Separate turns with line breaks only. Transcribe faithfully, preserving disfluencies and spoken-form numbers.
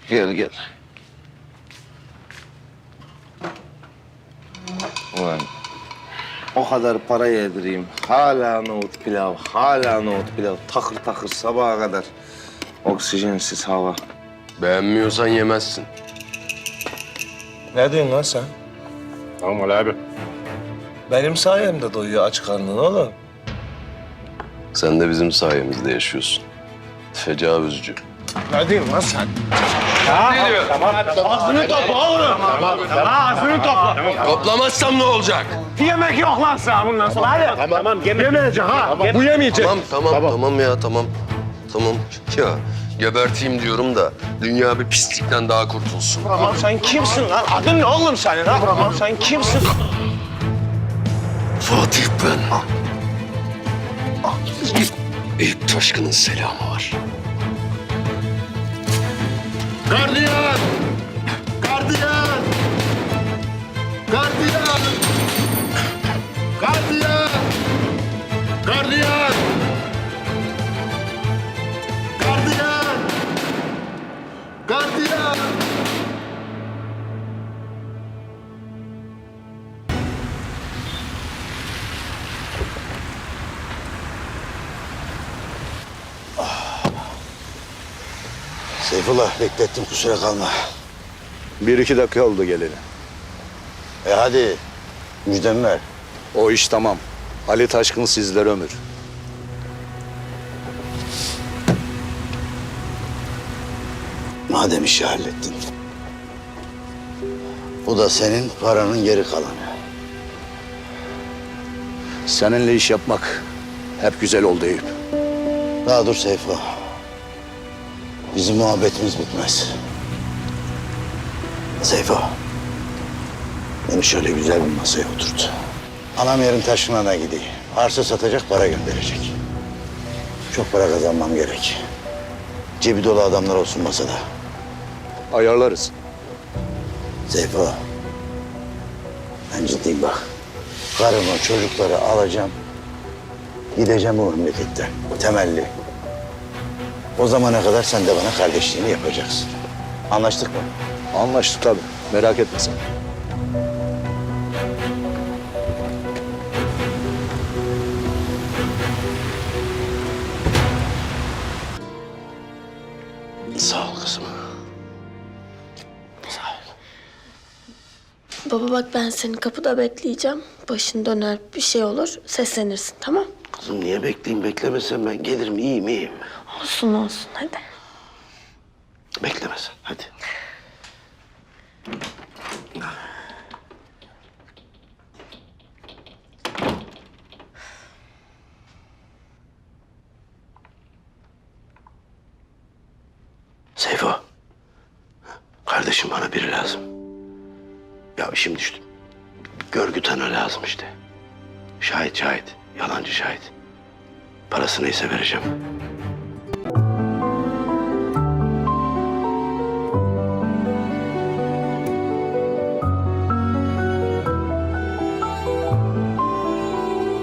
Gel gel. Ulan o kadar para yedireyim. Hala nohut pilav, hala nohut pilav. Takır takır sabaha kadar. Oksijensiz hava.
Beğenmiyorsan yemezsin.
Ne diyorsun lan sen?
Tamam Ali abi.
Benim sayemde doyuyor aç karnın oğlum.
Sen de bizim sayemizde yaşıyorsun. Tecavüzcü.
Ne diyorsun lan sen?
Ağzını topla oğlum. Tamam, tamam. Ağzını topla.
Toplamazsam ne olacak?
Yemek yok lan sana bundan sonra. Hadi. Tamam, tamam. Yemeyecek ha. Bu yemeyecek.
Tamam, tamam, tamam, ya tamam. Tamam ya geberteyim diyorum da dünya bir pislikten daha kurtulsun.
Tamam sen kimsin lan? Adın ne oğlum senin ha? Tamam sen kimsin?
Fatih ben. Eyüp Taşkın'ın selamı var.
Gardiyan! Gardiyan! Gardiyan! Gardiyan! Gardiyan! Gardiyan! Gardiyan!
Seyfullah beklettim kusura kalma.
Bir iki dakika oldu geleli.
E hadi müjdemi ver.
O iş tamam. Ali Taşkın sizlere ömür.
Madem işi hallettin. Bu da senin paranın geri kalanı.
Seninle iş yapmak hep güzel oldu Eyüp.
Daha dur Seyfo. Bizim muhabbetimiz bitmez. Seyfo. Beni şöyle güzel bir masaya oturt. Anam yarın Taşkın'a gideyim. Arsa satacak, para gönderecek. Çok para kazanmam gerek. Cebi dolu adamlar olsun masada.
Ayarlarız.
Seyfo. Ben ciddiyim bak. Karımı, çocukları alacağım. Gideceğim bu memleketten. Temelli. O zamana kadar sen de bana kardeşliğini yapacaksın. Anlaştık mı?
Anlaştık tabii. Merak etme sen.
Sağ ol kızım.
Baba bak ben seni kapıda bekleyeceğim. Başın döner bir şey olur seslenirsin tamam?
Kızım niye bekleyeyim? Beklemesen ben gelirim. İyiyim, iyiyim.
Olsun olsun hadi.
Beklemesen. Hadi. Seyfo. Kardeşim bana biri lazım. Ya işim düştü. Görgü tanığı lazım işte. Şahit şahit. Yalancı şahit. Parası neyse vereceğim.